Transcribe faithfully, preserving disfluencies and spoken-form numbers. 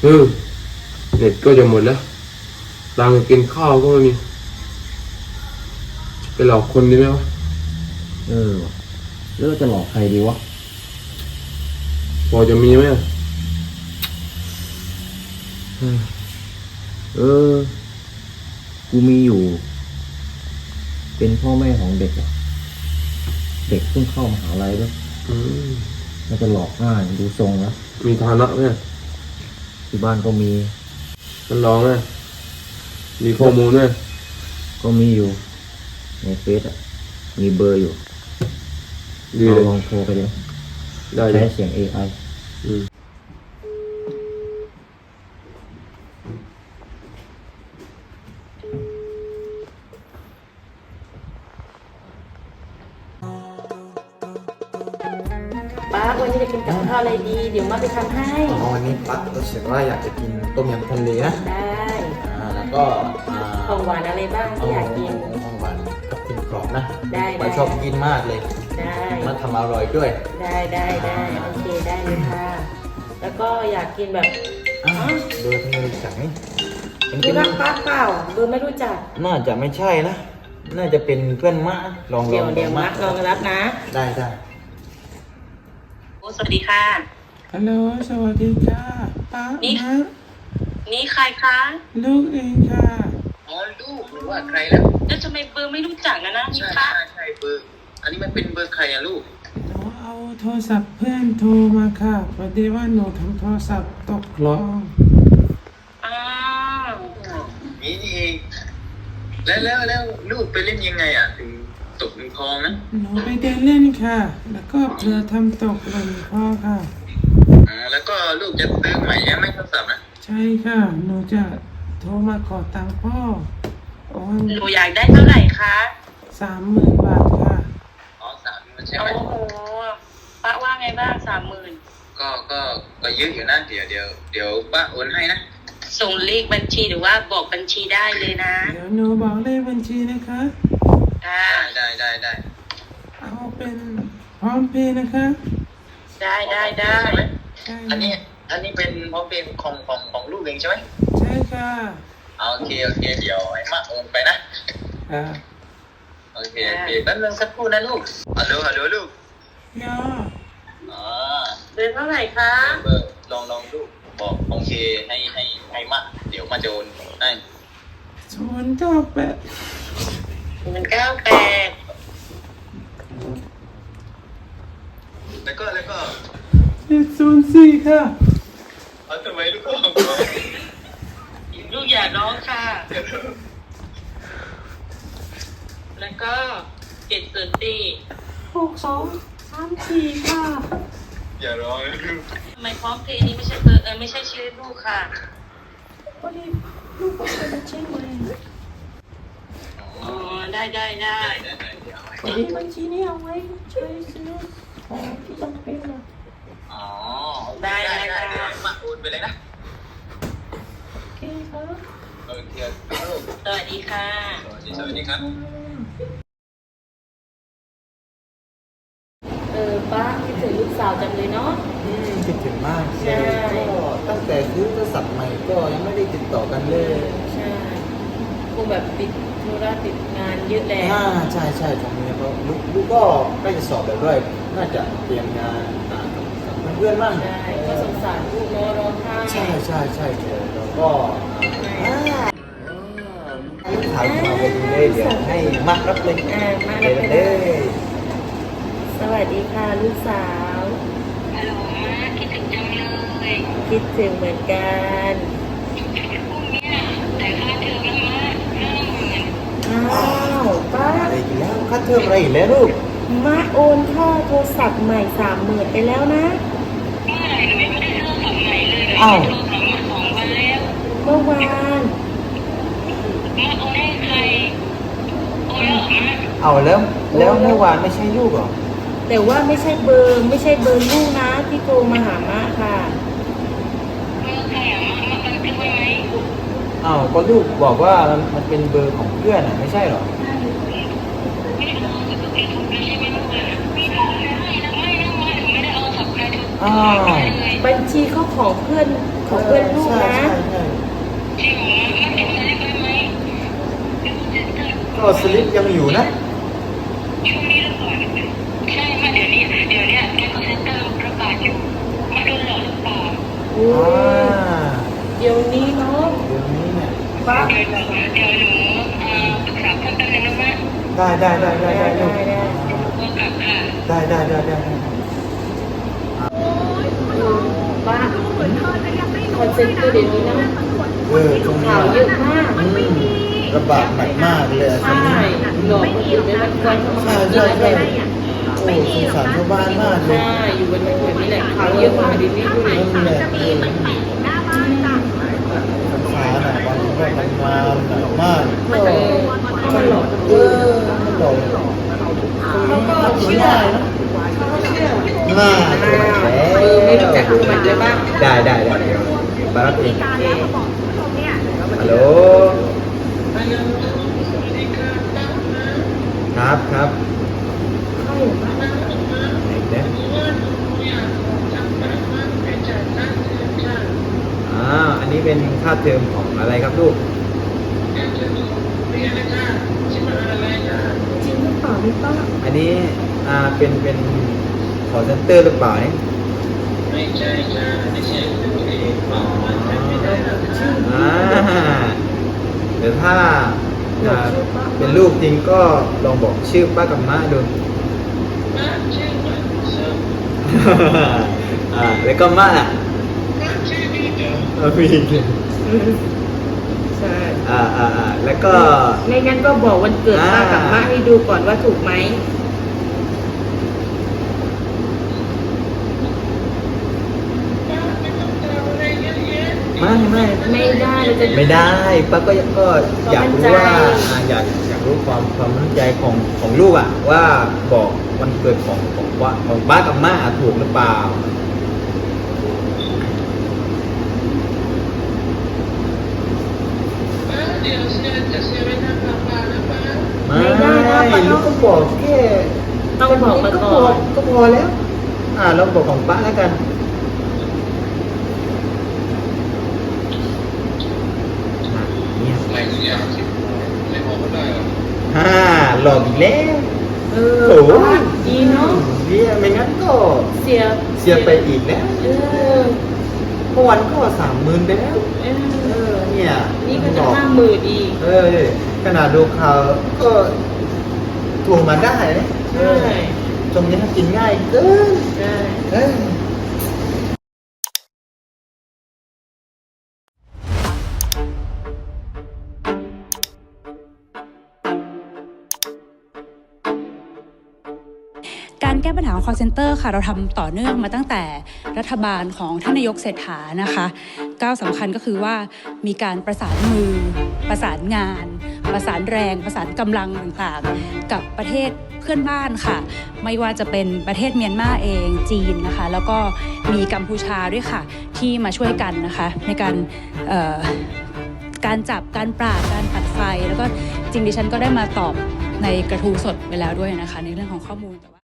เออเน็ตก็จะหมดแล้วตังค์กินข้าวก็ไม่มีไปหลอกคนดีไหมวะเออแล้วเราจะหลอกใครดีวะพอจะมีไหมเออกูมีอยู่เป็นพ่อแม่ของเด็กอะเด็กเพิ่งเข้ามหาลัยด้วยอืมมันจะหลอกง่ายดูทรงแล้วมีฐานะไหมที่บ้านก็มีมันลองไหมมีข้อมูลไหมก็มีอยู่ในเฟซอะมีเบอร์อยู่ดีเราเลยลองโทรไปเลยได้เลใช้ยเสียง เอ ไออืมป้าวันนี้จะกินกับข้าวอะไรดีเดี๋ยวมาไปทำให้อ๋อวันนี้ปั๊กรู้สึกว่าอยากจะกินต้มยำทะเลนะได้อ่าแล้วก็อ่าของหวานอะไรบ้างที่อยากกินของหวานกับกินกรอบนะได้ไปชอบกินมากเลยได้มันทำอร่อยด้วยได้ได้ได้โอเคได้เลยค่ะแล้วก็อยากกินแบบอ่าเบอร์ทำไมรู้จักนี่รู้จักป้าเปล่าเบอร์ไม่รู้จักน่าจะไม่ใช่นะน่าจะเป็นเพื่อนมะลองลองเดี๋ยวเดี๋ยวมักลองรับนะได้ได้สวัสดีค่ะฮัลโหลสวัสดีค่ะป้านี่นะนี่ใครคะลูกเองค่ะอ๋อลูกหรือว่าใครแล้วแล้วทำไมเบอร์ไม่รู้จักนะนะนี่ใช่ป้าใช่ใช่เบอร์อันนี้มันเป็นเบอร์ใครอะลูกหนูเอาโทรศัพท์เพื่อนโทรมาค่ะพอดีว่าหนูทำโทรศัพท์ตกคลองอ้าวนี่นี่เองแล้วแล้วแล้วลูกไปเล่นยังไงอะถึงตกในคลองนะหนูไปเดินเล่นค่ะแล้วก็เผลอทำตกหล่นคลองค่ะอ๋อแล้วก็ลูกจะซื้อใหม่ใช่ไหมโทรศัพท์นะใช่ค่ะหนูจะโทรมาขอตังค์พ่อโอ้หนูอยากได้เท่าไหร่คะสามหมื่นบาทค่ะอ๋อสามหมื่นใช่ไหมโอ้โหป้าว่าไงบ้างสามหมื่นก็ก็ก็เยอะอยู่นะเดี๋ยวเดี๋ยวเดี๋ยวป้าโอนให้นะส่งเลขบัญชีหรือว่าบอกบัญชีได้เลยนะเดี๋ยวหนูบอกเลขบัญชีนะคะได้ได้ได้ได้เอาเป็นพร้อมเพย์นะคะได้ได้ได้อันนี้อันนี้เป็นพร้อมเพย์ของของของลูกเองใช่ไหมใช่ค่ะโอเคโอเคเดี๋ยวไอ้มาโอนไปนะอ่าโอเคโอเคแป๊บนึงสักครู่นะลูกฮัลโหลฮัลโหลลูกยออ๋อเดือนเท่าไหร่คะเบอร์ลองลองลูกบอกโอเคให้ให้ให้มาเดี๋ยวมาโจนให้ศูนย์เก้าแปดศูนย์เก้าแปดแล้วก็แล้วก็เจ็ดศูนย์สี่ค่ะเอาทำไมลูกก็ลูกอย่าร้องค่ะแล้วก็เจ็ดศูนย์สี่หกสองสามสี่ค่ะอย่าร้องลูกทำไมพร้อมเพย์นี้ไม่ใช่เบอร์เออไม่ใช่ชื่อลูกค่ะวันนี้ลูกเป็นบัญชีใหม่อ๋อได้ได้ได้วันนี้บัญชีนี้เอาไว้ใช้ซื้อของที่จำเป็นนะอ๋อได้ได้ได้มาโอนไปเลยนะโอเคครับโอเคสวัสดีค่ะสวัสดีสวัสดีครับเออป้าคิดถึงลูกสาวจังเลยเนาะอืมคิดถึงมากใช่ก็ตั้งแต่ซื้อโทรศัพท์ใหม่ก็ยังไม่ได้ติดต่อกันเลยใช่คงแบบติดธุระติดงานเยอะแล้วอ่าใช่ใช่ตรงนี้เพราะลูกลูกก็ใกล้จะสอบแล้วด้วยน่าจะเตรียมงานอ่ากับเพื่อนๆบ้างใช่ก็สงสารลูกเนาะร้องไห้ใช่ใช่ใช่แล้วก็ถ่ายมาไปดูเลยเดี๋ยวให้มารับเลยอ่ามาเลยสวัสดีค่ะลูกสาวฮัลโหลคิดถึงจังเลยคิดถึงเหมือนกันพรุ่งนี้แต่ค่าเทอมละมาห้าหมื่นอ้าวป้าอะไรอีกแล้วค่าเทอมอะไรอีกแล้วลูกมาโอนค่าโทรศัพท์ใหม่สามหมื่นไปแล้วนะเมื่อไหร่หนูไม่ได้โทรศัพท์ใหม่เลยหนูโทรศัพท์มาสองวันแล้วเมื่อวานมาโอนให้ใครโอนแล้วเหรอมาเอาแล้วแล้วเมื่อวานไม่ใช่ลูกหรอแต่ว่าไม่ใช่เบอร์ไม่ใช่เบอร์ลูกนะที่โทรมาหาม่าค่ะเบอร์ใครอ่ะมามาบันทึกไว้ไหมอ้าวก็ลูกบอกว่ามันเป็นเบอร์ของเพื่อนอ่ะไม่ใช่หรอไม่ได้เอาสับใครทุกไม่ใช่ไม่รู้เลยไม่ได้ไม่นะไม่นะมาถึงไม่ได้เอาสับใครทุกอ้าวบัญชีเขาของเพื่อนเขของเพื่อนลูกใช่นะใช่ใช่จริงเหรอมันถึงอะไรไปไหมเป็นเซ็นเตอร์ก็สลิปยังอยู่นะช่วงนี้หรือเปล่าใช่มาเดี๋ยวนี้เดี๋ยวเนี้ยแก๊งเซ็นเตอร์ประกาศอยู่มาโดนหลอกหรือเปล่าอุ้อ่ายเดี๋ยวนี้เนาะเดี๋ยวนี้เนี่ยป้าเดี๋ยวเดี๋ยวหนูเอ่อปรึกษาเพื่อนแป๊บนึงนะแม่ได้ได้ได้ได้ได้ได้ได้ได้ก็กลับค่ะได้ได้ได้ได้ได้ป้าคอนเซ็นเตอร์เดี๋ยวนี้นะเออตรงนี้ข่าวเยอะมากอืมระบาดหนักมากเลยอะตรงใช่นี้หลอกคนอื่นได้มันควรเข้ามาใช่หาใช่เงินใช่อะไรโอ้สงสารชาวบ้านมากเลยใช่อยู่บนแบบนี้แหละข่าวเยอะมากเดี๋ยวนี้ดูดินั่นแหละเออสงสารอ่ะบางคนก็ทำงานหนักมากเออถ้ามันหลอกคนเออื่นอมันหลอกเขาก็เชื่อเขาก็เชื่อน่าจะเออไม่รู้จักดูมันเลยบ้างได้ได้ได้เดี๋ยวบารับเองโอเคฮัลโหลครับครับไหนนะอ่าอันนี้เป็นค่าเทอมของอะไรครับลูกจริงหรือเปล่าพี่ป้าอันนี้อ่าเป็นเป็นคอเซ็นเตอร์หรือเปล่าเนี่ยอ๋ออ่าเดี๋ยวถ้าอ่าเป็นลูกจริงก็ลองบอกชื่อป้ากับม้าดู อ่าแล้วก็ม้าอ่ะเออมีใช่อ่าอ่าอ่าแล้วก็ไม่งั้นก็บอกวันเกิดป้ากับม้าให้ดูก่อนว่าถูกไหมไม่ไม่ไม่ได้เราจะไม่ได้ป้าก็ยังก็อยากรู้ความมั่นใจว่าอ่าอยากอยากรู้ความความมั่นใจของของลูกอ่ะว่าบอกวันเกิดของของว่าของป้ากับม้าถูกหรือเปล่าไม่ได้ลูกก็บอกแค่ต้องบอกมาก่อนก็พอแล้ว อ่าเราบอกของป้าแล้วกันอ่ะเนี่ยไม่ทุกอย่างที่ไม่พอก็ได้หรอกฮ่าหลอกอีกแล้วเออโอ้โหดีเนาะเนี่ยไม่งั้นก็เสียเสียไปอีกแล้วเออเมื่อวันก็สามหมื่นไปแล้วเอเอออเนี่ยนี่ก็บจะอกห้าหมื่นอีกเออขนาดดูข่าวก็ทวงมาได้นะใช่ตรงนี้กินง่ายเกินใช่เออการแก้ปัญหาของ call center ค่ะเราทำต่อเนื่องมาตั้งแต่รัฐบาลของท่านนายกเศรษฐานะคะก้าวสำคัญก็คือว่ามีการประสานมือ ประสานงาน ประสานแรง ประสานกำลังต่างๆ กับประเทศเพื่อนบ้านค่ะไม่ว่าจะเป็นประเทศเมียนมาเองจีนนะคะแล้วก็มีกัมพูชาด้วยค่ะที่มาช่วยกันนะคะในการเอ่อการจับการปราบการตัดไฟแล้วก็จริงดิฉันก็ได้มาตอบในกระทู้สดไปแล้วด้วยนะคะในเรื่องของข้อมูลแต่ว่า